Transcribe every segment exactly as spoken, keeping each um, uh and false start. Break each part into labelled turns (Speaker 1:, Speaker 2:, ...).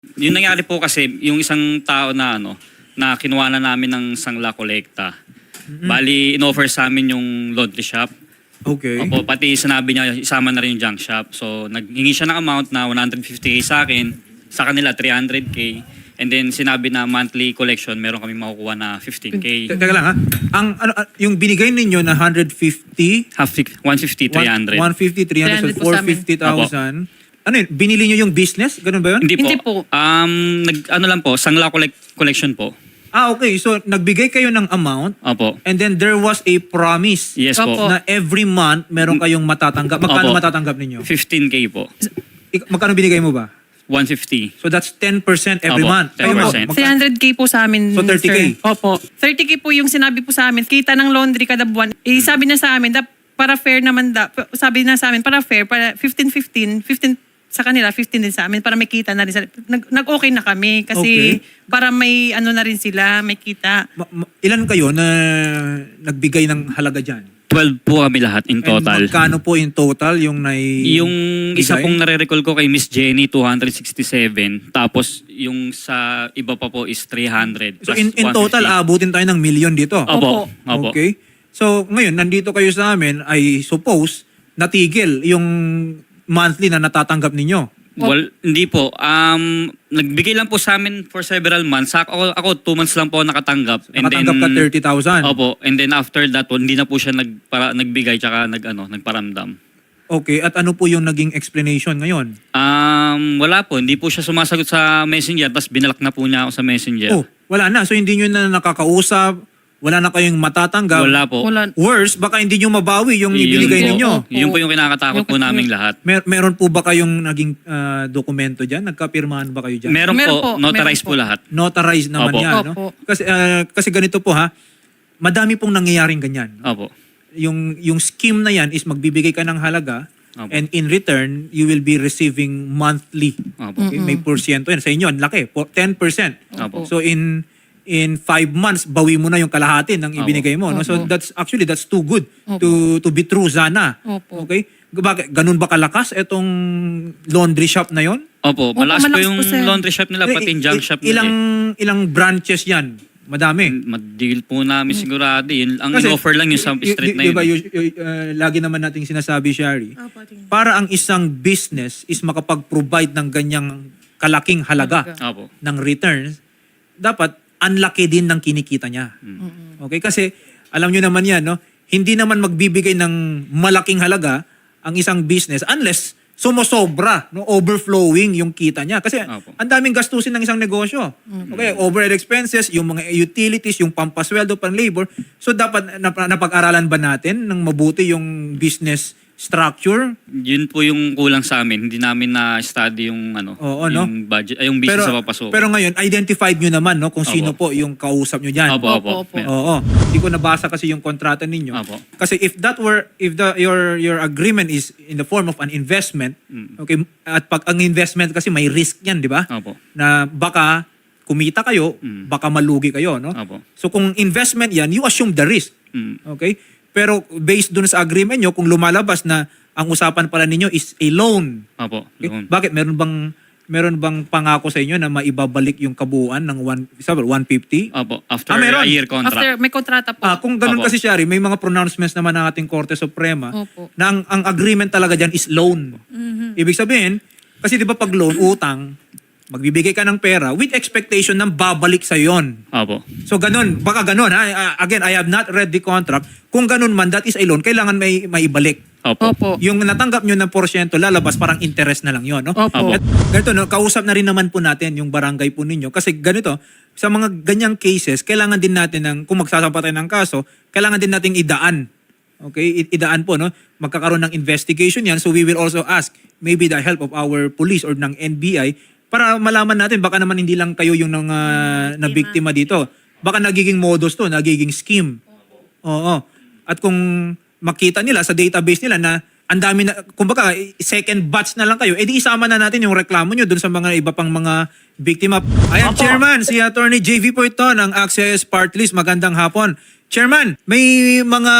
Speaker 1: Yung nangyari po kasi, yung isang tao na ano, na kinuha na namin ng sangla kolekta.
Speaker 2: Mm-hmm.
Speaker 1: Bali, in-offer sa amin yung laundry shop.
Speaker 2: Okay.
Speaker 1: Opo, pati sinabi niya, isama na rin yung junk shop. So, naghingi siya ng amount na one hundred fifty K sa akin, sa kanila three hundred K. And then, sinabi na monthly collection, meron kami makukuha na fifteen K.
Speaker 2: Te- Teka lang ha. Ang, ano, ah, yung binigay ninyo na one hundred fifty,
Speaker 1: Half, one fifty, three hundred.
Speaker 2: one fifty, three hundred, so
Speaker 3: three hundred po sa
Speaker 2: four
Speaker 3: amin.
Speaker 2: hundred fifty thousand. Ano yun? Binili nyo yung business? Ganun ba yun?
Speaker 1: Hindi po.
Speaker 3: Hindi po.
Speaker 1: Um, nag, ano lang po, sangla collect, collection po.
Speaker 2: Ah, okay. So, nagbigay kayo ng amount
Speaker 1: Opo.
Speaker 2: and then there was a promise
Speaker 1: Yes
Speaker 3: Opo.
Speaker 1: po.
Speaker 2: na every month meron kayong matatanggap. Magkano
Speaker 1: Opo.
Speaker 2: matatanggap ninyo?
Speaker 1: fifteen K po.
Speaker 2: Ik- Magkano binigay mo ba?
Speaker 1: one fifty.
Speaker 2: So, that's ten percent every
Speaker 1: Opo,
Speaker 2: month.
Speaker 1: ten
Speaker 2: Kayo,
Speaker 1: percent.
Speaker 2: magka-
Speaker 3: three hundred K po sa amin.
Speaker 2: So, thirty K?
Speaker 3: sir. Opo. thirty K po yung sinabi po sa amin. Kita ng laundry kada buwan. Eh, sabi niya sa amin, da, para fair naman da. Sabi niya sa amin, para fair, para fifteen fifteen, fifteen sa kanila, fifteen din sa amin, para may kita na rin. sa- Nag, nag-okay na kami kasi
Speaker 2: Okay.
Speaker 3: para may ano na rin sila, may kita.
Speaker 2: ma- ma- ilan kayo na nagbigay ng halaga dyan?
Speaker 1: twelve po kami lahat in total.
Speaker 2: And magkano po in total yung nai...
Speaker 1: Yung isa
Speaker 2: bigay?
Speaker 1: pong nare-recall ko kay Miss Jenny, two hundred sixty-seven. Tapos yung sa iba pa po is three hundred.
Speaker 2: So
Speaker 1: plus
Speaker 2: in, in
Speaker 1: one fifty.
Speaker 2: total, aabutin tayo ng million dito.
Speaker 1: Opo.
Speaker 3: Opo.
Speaker 1: Opo.
Speaker 2: Okay. So ngayon, nandito kayo sa amin, I suppose, natigil yung monthly na natatanggap ninyo.
Speaker 1: Well, hindi po. Um, nagbigay lang po sa amin for several months. Ako, ako two months lang po nakatanggap. And
Speaker 2: Nakatanggap
Speaker 1: then,
Speaker 2: ka thirty thousand.
Speaker 1: Opo. And then after that, hindi na po siya nagpara, nagbigay tsaka nag, ano, nagparamdam.
Speaker 2: Okay, at ano po yung naging explanation ngayon?
Speaker 1: Um, wala po. Hindi po siya sumasagot sa messenger. Tapos binalak na po niya ako sa messenger.
Speaker 2: Oh, wala na. So hindi nyo na nakakausap, wala na kayong matatanggap.
Speaker 1: Wala po.
Speaker 3: Wala.
Speaker 2: Worse, baka hindi nyo mabawi yung
Speaker 1: Yun
Speaker 2: ibinigay
Speaker 1: po.
Speaker 2: ninyo.
Speaker 3: Opo.
Speaker 1: Yun po yung kinakatakot
Speaker 3: Yung-
Speaker 1: po naming lahat.
Speaker 2: Mer- meron po ba kayong naging ah, dokumento dyan? Nagkapirmahan ba kayo dyan?
Speaker 1: Meron,
Speaker 3: Meron
Speaker 1: po,
Speaker 3: po,
Speaker 1: notarized
Speaker 3: meron
Speaker 1: po
Speaker 3: po.
Speaker 1: lahat.
Speaker 2: Notarized naman
Speaker 1: Opo.
Speaker 2: yan. No?
Speaker 3: Opo.
Speaker 2: Kasi, ah, kasi ganito po ha, madami pong nangyayaring ganyan.
Speaker 1: Opo.
Speaker 2: Yung, yung scheme na yan is magbibigay ka ng halaga
Speaker 1: Opo.
Speaker 2: and in return, you will be receiving monthly.
Speaker 1: Opo.
Speaker 2: Okay? May porsyento yan. Sa inyo, ang laki. po- ten percent.
Speaker 1: Opo.
Speaker 2: So in in five months, bawi mo na yung kalahati ng ibinigay mo. No? So
Speaker 3: Opo.
Speaker 2: that's actually, that's too good
Speaker 3: Opo.
Speaker 2: to to be true sana.
Speaker 3: Opo.
Speaker 2: Okay? Bakit? Ganun ba kalakas itong laundry shop na yon?
Speaker 1: Opo.
Speaker 3: Opo,
Speaker 1: Malakas po
Speaker 3: malakas
Speaker 1: yung
Speaker 3: po, sir.
Speaker 1: laundry shop nila, pati yung junk shop nila.
Speaker 2: Ilang, ilang branches yan? Madami.
Speaker 1: Madigil po namin sigurado. Yun, ang
Speaker 2: Kasi,
Speaker 1: in-offer lang yung sa
Speaker 2: y- y-
Speaker 1: street na
Speaker 2: di
Speaker 1: yun.
Speaker 2: ba, y- y- uh, lagi naman nating sinasabi, Shari, para ang isang business is makapag-provide ng ganyang kalaking halaga
Speaker 1: Opo.
Speaker 2: ng returns, dapat ang laki din ng kinikita niya. Okay? Kasi, alam nyo naman yan, no? Hindi naman magbibigay ng malaking halaga ang isang business unless sumosobra, no? Overflowing yung kita niya. Kasi
Speaker 1: Opo.
Speaker 2: ang daming gastusin ng isang negosyo. Okay, overhead expenses, yung mga utilities, yung pampasweldo, pan-labor. So dapat nap- napag-aralan ba natin ng mabuti yung business structure?
Speaker 1: Yun po yung kulang sa amin. Hindi namin na-study yung ano,
Speaker 2: Oo, no?
Speaker 1: yung budget, ay, yung business
Speaker 2: Pero,
Speaker 1: sa papasok.
Speaker 2: pero ngayon, identified nyo naman no, kung
Speaker 1: Opo.
Speaker 2: sino po yung kausap nyo dyan.
Speaker 1: Opo, opo.
Speaker 3: Opo, opo.
Speaker 1: Meron.
Speaker 2: Oo. Hindi ko nabasa kasi yung kontrata ninyo.
Speaker 1: Opo.
Speaker 2: Kasi if that were, if the your your agreement is in the form of an investment,
Speaker 1: Mm.
Speaker 2: okay, at pag ang investment kasi may risk yan, di ba?
Speaker 1: Opo.
Speaker 2: Na baka kumita kayo,
Speaker 1: Mm.
Speaker 2: baka malugi kayo, no?
Speaker 1: Opo.
Speaker 2: So kung investment yan, you assume the risk.
Speaker 1: Mm.
Speaker 2: Okay? Pero based dun sa agreement nyo, kung lumalabas na ang usapan pala ninyo is a loan.
Speaker 1: Opo.
Speaker 2: Okay?
Speaker 1: Yun.
Speaker 2: Bakit? Meron bang meron bang pangako sa inyo na maibabalik yung kabuuan ng one, sabi, one fifty?
Speaker 1: Opo. After
Speaker 2: Ah, meron.
Speaker 1: a year contract.
Speaker 3: After, may kontrata po.
Speaker 2: Ah, kung ganun
Speaker 1: Opo.
Speaker 2: kasi, Shari, may mga pronouncements naman ng ating Korte Suprema
Speaker 3: Opo.
Speaker 2: na ang, ang agreement talaga dyan is loan. Ibig sabihin, kasi di ba pag loan, utang, magbibigay ka ng pera with expectation ng babalik sa yon.
Speaker 1: Opo.
Speaker 2: So ganun, baka ganun ha. Ah, Again, I have not read the contract. Kung ganun man, that is a loan, kailangan may maibalik.
Speaker 1: Opo.
Speaker 3: Opo.
Speaker 2: Yung natanggap nyo ng porsyento, lalabas parang interest na lang yon, no?
Speaker 3: Opo.
Speaker 2: At ganito, no, kausap na rin naman po natin yung barangay po ninyo. Kasi ganito, sa mga ganyang cases, kailangan din natin, ng, kung magsasampa tayo ng kaso, kailangan din nating idaan. Okay? I- idaan po, no? Magkakaroon ng investigation yan. So we will also ask, maybe the help of our police or ng N B I, para malaman natin, baka naman hindi lang kayo yung nang, uh, na biktima dito. Baka nagiging modus to, nagiging scheme. Oo. At kung makita nila sa database nila na ang dami na, kumbaga, second batch na lang kayo, edi isama na natin yung reklamo nyo dun sa mga iba pang mga biktima. Ayan,
Speaker 3: Opo.
Speaker 2: Chairman, si Attorney J V po ito ng Access Part List. Magandang hapon. Chairman, may mga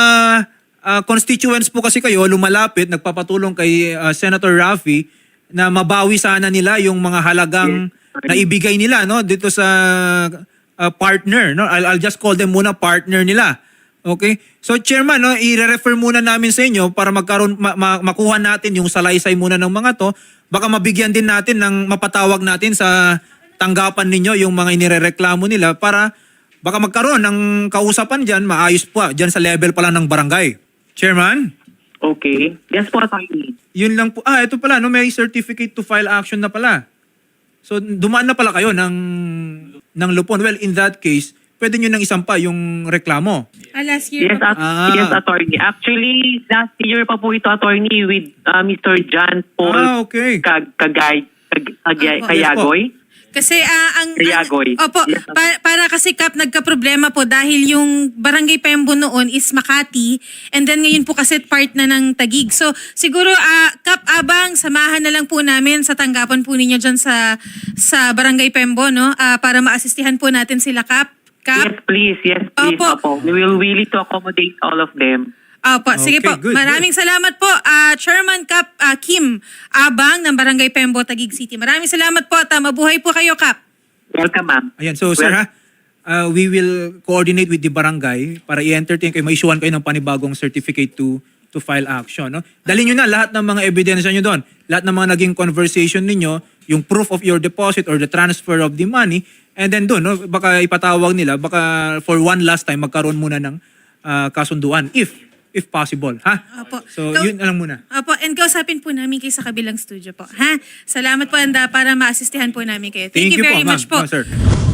Speaker 2: ah, constituents po kasi kayo lumalapit, nagpapatulong kay ah, Senator Raffy na mabawi sana nila yung mga halagang na ibigay nila no dito sa uh, partner no. I'll, I'll just call them muna partner nila. Okay? So chairman no, i-refer muna namin sa inyo para magkaroon ma- ma- makuha natin yung salaysay muna ng mga to. Baka mabigyan din natin ng mapatawag natin sa tanggapan ninyo yung mga inirereklamo nila para baka magkaroon ng kausapan diyan, maayos pa diyan sa level pa lang ng barangay. Chairman?
Speaker 4: Okay. Yes po, attorney.
Speaker 2: Yun lang po. Ah, ito pala, no, may certificate to file action na pala. So, dumaan na pala kayo ng, ng lupon. Well, in that case, pwede nyo nang isampa yung reklamo.
Speaker 5: Ah, last year
Speaker 4: Yes,
Speaker 5: pa
Speaker 4: at-
Speaker 2: Ah.
Speaker 4: yes, attorney. Actually, last year pa po ito, attorney, with uh, Mister John Paul
Speaker 2: Ah, okay.
Speaker 4: Kag Kagay Kag Kagay
Speaker 5: Opo.
Speaker 4: Kayagoy.
Speaker 5: Kasi ah, ang,
Speaker 4: Kayagoy.
Speaker 5: ang opo,
Speaker 4: Yes,
Speaker 5: pa- para kasi Kap nagka-problema po dahil yung Barangay Pembo noon is Makati and then ngayon po kasi part na ng Taguig. So siguro ah Kap abang samahan na lang po namin sa tanggapan po ninyo diyan sa sa Barangay Pembo no Ah, para maasistihan po natin sila Kap. Kap.
Speaker 4: Yes, please. Yes, please.
Speaker 5: Opo.
Speaker 4: Opo. We will willing to accommodate all of them.
Speaker 5: Opo, sige
Speaker 2: Okay,
Speaker 5: po.
Speaker 2: good,
Speaker 5: Maraming salamat po, ah, Chairman Kap ah, Kim Abang ng Barangay Pembo, Taguig City. Maraming salamat po at ah, mabuhay po kayo, Kap.
Speaker 4: Welcome, ma'am.
Speaker 2: Ayan, so sir
Speaker 4: Well-
Speaker 2: ha, uh, we will coordinate with the barangay para i-entertain kayo, ma-issuean kayo ng panibagong certificate to to file action. No? Dalhin nyo na lahat ng mga ebidensya nyo doon. Lahat ng mga naging conversation ninyo, yung proof of your deposit or the transfer of the money, and then doon, no, baka ipatawag nila, baka for one last time, magkaroon muna ng uh, kasunduan, if if possible. Ha?
Speaker 5: Opo.
Speaker 2: So,
Speaker 5: Go-
Speaker 2: yun na lang muna.
Speaker 5: Opo, and kausapin po namin kayo sa kabilang studio po. Ha? Salamat po, Anda, para maasistihan po namin kayo. Thank, you
Speaker 2: po,
Speaker 5: very
Speaker 2: ma'am.
Speaker 5: much po.
Speaker 2: No, sir.